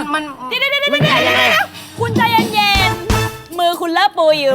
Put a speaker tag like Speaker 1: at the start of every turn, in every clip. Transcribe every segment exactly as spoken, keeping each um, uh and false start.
Speaker 1: มัน
Speaker 2: เดี๋ยวเดี๋ยวเดี๋ยว
Speaker 1: มันใหญ่ยังไง
Speaker 2: คุณใจเย็นๆมือคุณเลอะปูอยู่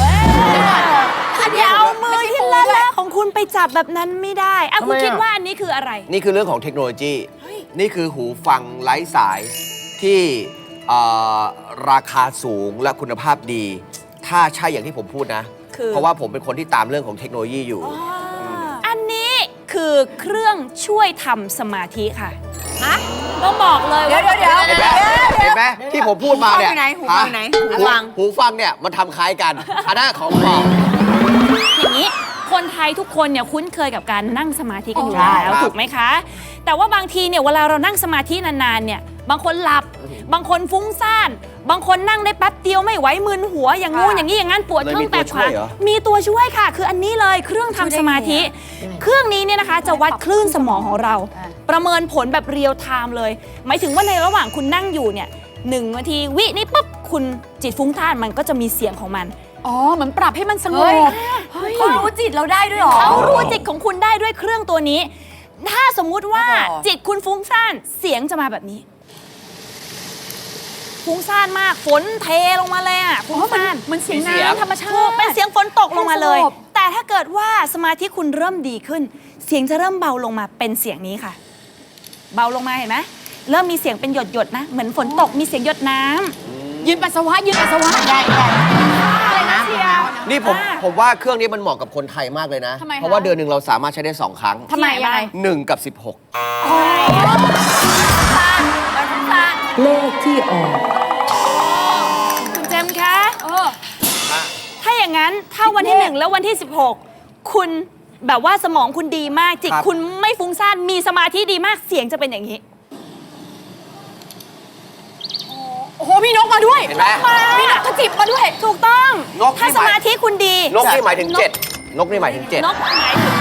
Speaker 2: อย่าเอามือที่เลอะเลอะของคุณไปจับแบบนั้นไม่ได้อ่ะคุณคิดว่าอันนี้คืออะไร
Speaker 3: นี่คือเรื่องของเทคโนโลยีนี่คือหูฟังไร้สายที่ราคาสูงและคุณภาพดี ถ้าใช่อย่างที่ผมพูดนะ เพราะว่าผมเป็นคนที่ตามเรื่องของเทคโนโลยีอยู่
Speaker 2: อันนี้คือเครื่องช่วยทำสมาธิค่ะฮะต้องบอกเลยว่า
Speaker 1: เดี๋ยวเดี๋ยว
Speaker 3: เห็นไหมเห็นไหมที่ผมพูดมาเนี่ย
Speaker 1: หูฟังไหนหูฟัง
Speaker 3: หูฟังเนี่ยมันทำคล้ายกันอันนั้นของปลอม
Speaker 2: อย่างนี้คนไทยทุกคนเนี่ยคุ้นเคยกับการนั่งสมาธิกันอยู่
Speaker 3: ใช่
Speaker 2: แล้วถูกไหมคะแต่ว่าบางทีเนี่ยเวลาเรานั่งสมาธินานๆเนี่ยบางคนหลับบางคนฟุ้งซ่านบางคนนั่งได้แป๊บเดียวไม่ไหวมึนหัวอย่างงู้นอย่างนี้อย่างนั้นปวดท้องแตกขามีตัวช่วยค่ะคืออันนี้เลยเครื่องทำสมาธิเครื่องนี้เนี่ยนะคะจะวัดคลื่นสมองของเราประเมินผลแบบเรียลไทม์เลยหมายถึงว่าในระหว่างคุณนั่งอยู่เนี่ยหนึ่งนาทีวินี่ปุ๊บคุณจิตฟุ้งซ่านมันก็จะมีเสียงของมัน
Speaker 4: อ๋อเหมือนปรับให้มันสงบ
Speaker 1: เขารู้จิตเราได้ด้วยหรอ
Speaker 2: เขารู้จิตของคุณได้ด้วยเครื่องตัวนี้ถ้าสมมุติว่าจิตคุณฟุ้งซ่านเสียงจะมาแบบนี้ฟุ้งซ่านมากฝนเทลงมาเลยอ่ะฟุ้งซ่าน
Speaker 4: มันเสียงน้ำธรรมชาติ
Speaker 2: เป็นเสียงฝนตกลงมาเลยแต่ถ้าเกิดว่าสมาธิคุณเริ่มดีขึ้นเสียงจะเริ่มเบาลงมาเป็นเสียงนี้ค่ะเบาลงมาเห็นไหมเริ่มมีเสียงเป็นหยดหยดนะเหมือนฝนตกมีเสียงหยดน้ำ
Speaker 4: ยืนปัสสาวะยืนปัสสาวะ
Speaker 1: ได้ได้
Speaker 3: นี่ผมผมว่าเครื่องนี้มันเหมาะกับคนไทยมากเลยนะเพราะว่าเดือนหนึ่งเราสามารถใช้ได้สองครั้ง
Speaker 2: ทำไมยังไง
Speaker 3: หนึ่งกับสิบหก
Speaker 5: เลขที่ออก
Speaker 2: คุณเจมส์คะถ้าอย่างนั้นถ้าวันที่หนึ่งแล้ววันที่สิบหกคุณแบบว่าสมองคุณดีมากจิตคุณไม่ฟุ้งซ่านมีสมาธิดีมากเสียงจะเป็นอย่างนี้
Speaker 4: โอ้โหมีนกมาด้วย
Speaker 3: เห็นไหม
Speaker 4: มีนกกระจิบมาด้วย
Speaker 2: ถูกต้องถ้าสมาธิคุณดี
Speaker 3: นกนี่หมายถึงเจ็ดนกนี่หมายถึงเจ็ด
Speaker 2: นกหมายถึง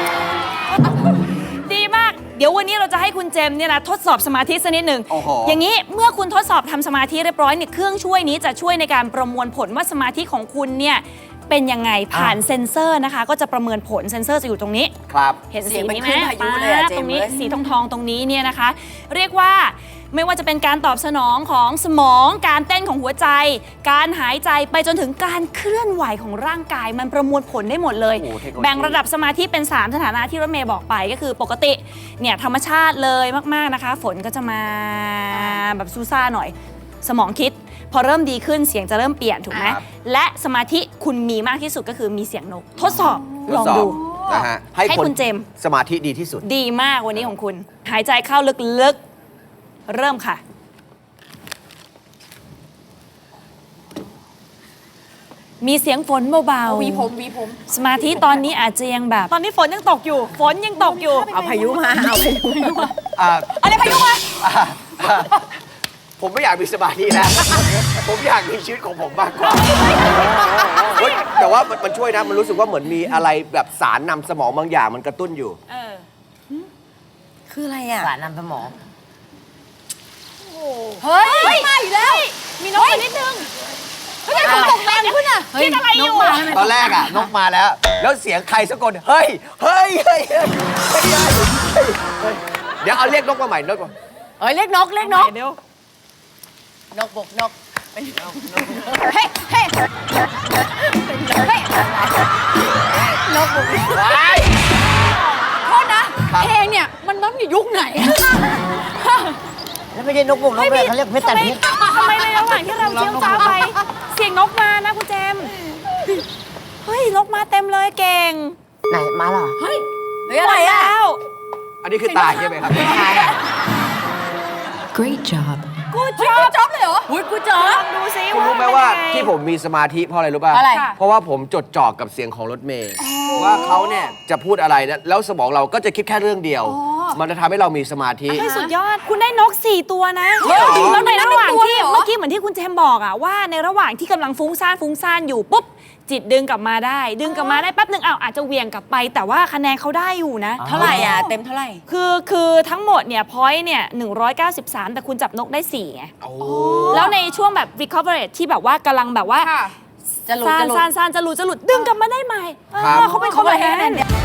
Speaker 2: ดีมากเดี๋ยววันนี้เราจะให้คุณเจมเนี่ยนะทดสอบสมาธิสักนิดหนึ่งอย่างนี้เมื่อคุณทดสอบทำสมาธิเรียบร้อยเนี่ยเครื่องช่วยนี้จะช่วยในการประมวลผลว่าสมาธิของคุณเนี่ยเป็นยังไงผ่านเซ็นเซอร์นะคะก็จะประเมินผลเซ็นเซอร์จะอยู่ตรงนี้
Speaker 3: ครับ
Speaker 2: เห็นสีนี้ไหมตรงนี้สีทองทองตรงนี้เนี่ยนะคะเรียกว่าไม่ว่าจะเป็นการตอบสนองของสมองการเต้นของหัวใจการหายใจไปจนถึงการเคลื่อนไหวของร่างกายมันประมวลผลได้หมดเลยแบ่งระดับสมาธิเป็นสามสถานะที่รถเมย์บอกไปก็คือปกติเนี่ยธรรมชาติเลยมากๆนะคะฝนก็จะมาแบบซูซ่าหน่อยสมองคิดพอเริ่มดีขึ้นเสียงจะเริ่มเปลี่ยนถูกไหมและสมาธิคุณมีมากที่สุดก็คือมีเสียงนกทดสอบลองดู
Speaker 3: นะฮะ
Speaker 2: ให้คุณเจม
Speaker 3: สมาธิดีที่สุด
Speaker 2: ดีมากวันนี้ของคุณหายใจเข้าลึกๆเริ่มค่ะมีเสียงฝนเบาๆ
Speaker 4: วีผมวีผม
Speaker 2: สมาธิตอนนี้อาจจะยังแบบตอนนี้ฝนยังตกอยู่ฝนยังตกอยู่
Speaker 1: เอาพายุมาเอาพายุมา
Speaker 2: อะไรพายุมา
Speaker 3: ผมไม่อยากมีสมาธิแล้วผมอยากมีชีวิตของผมมากกว่าแต่ว่ามันช่วยนะมันรู้สึกว่าเหมือนมีอะไรแบบสารนำสมองบางอย่างมันกระตุ้นอยู่
Speaker 1: คืออะไรอ่ะ
Speaker 5: สารนำสมอง
Speaker 4: เฮ้ยมาอีกแล้วมีนกนิดนึงเฮ้ยฝนตกแรงขึ้นอ่ะ
Speaker 2: คิดอะไรอยู่
Speaker 3: ตอนแรกอ่ะนกมาแล้วแล้วเสียงใครสักคนเฮ้ยเฮ้ยเฮ้ยเดี๋ยวเอาเรียกนกมาใหม่นกก่อน
Speaker 4: เฮ้ยเรียกนกเรียกนก
Speaker 2: เดี๋ย
Speaker 4: วนกบกนกเฮ้ยเฮ้ยเฮ้ยนกบกโทษนะเพลงเนี่ยมันน้องอยู่ยุคไหน
Speaker 5: แล้วไม่ใช่นกบุกนกเลยเขาเรียกเพชรแต่เพชร
Speaker 2: ทำไมในระหว่างที่เราเชี่ยวจ้าไปเสียงนกมานะคุณเจมเฮ้ยนกมาเต็มเลยเก่ง
Speaker 5: ไหนมาหรอ
Speaker 4: เฮ้ย
Speaker 2: อะไรอ่ะ
Speaker 3: อันนี้คือตายใช่ไหมครับ
Speaker 5: Great job
Speaker 2: กูจ๊อบ
Speaker 4: จ๊อบเลยเหรออุ้ยกูจ๊อบ
Speaker 2: ดูซิ
Speaker 3: คุณรู้ไหมว่าที่ผมมีสมาธิเพราะอะไรรู้ป่ะ
Speaker 4: อะไร
Speaker 3: เพราะว่าผมจดจ่อกับเสียงของรถเมย์ว่าเขาเนี่ยจะพูดอะไรแล้วสมองเราก็จะคิดแค่เรื่องเดียวมันจะทำให้เรามีสมาธิ
Speaker 2: สุดยอดคุณได้นกสี่ตัวนะแล้วในระหว่างที่เมื่อกี้เหมือนที่คุณเจมบอกอะว่าในระหว่างที่กำลังฟุ้งซ่านฟุ้งซ่านอยู่ปุ๊บจิตดึงกลับมาได้ดึงกลับมาได้แป๊บนึงอ้าวอาจจะเวียงกลับไปแต่ว่าคะแนนเขาได้อยู่นะ
Speaker 1: เท่าไหร่อ่ะเต็มเท่าไหร่
Speaker 2: คือคือทั้งหมดเนี่ยพอยต์เนี่ยหนึ่งร้อยเก้าสิบสามแต่คุณจับนกได้สี่ไงแล้วในช่วงแบบ recovery ที่แบบว่ากำลังแบบว่า
Speaker 4: จะหลุด
Speaker 2: จะหลุดจะหลุดจะหลุดดึงกลับมาได้ใหม่เขาเป็นคนแบบนั้น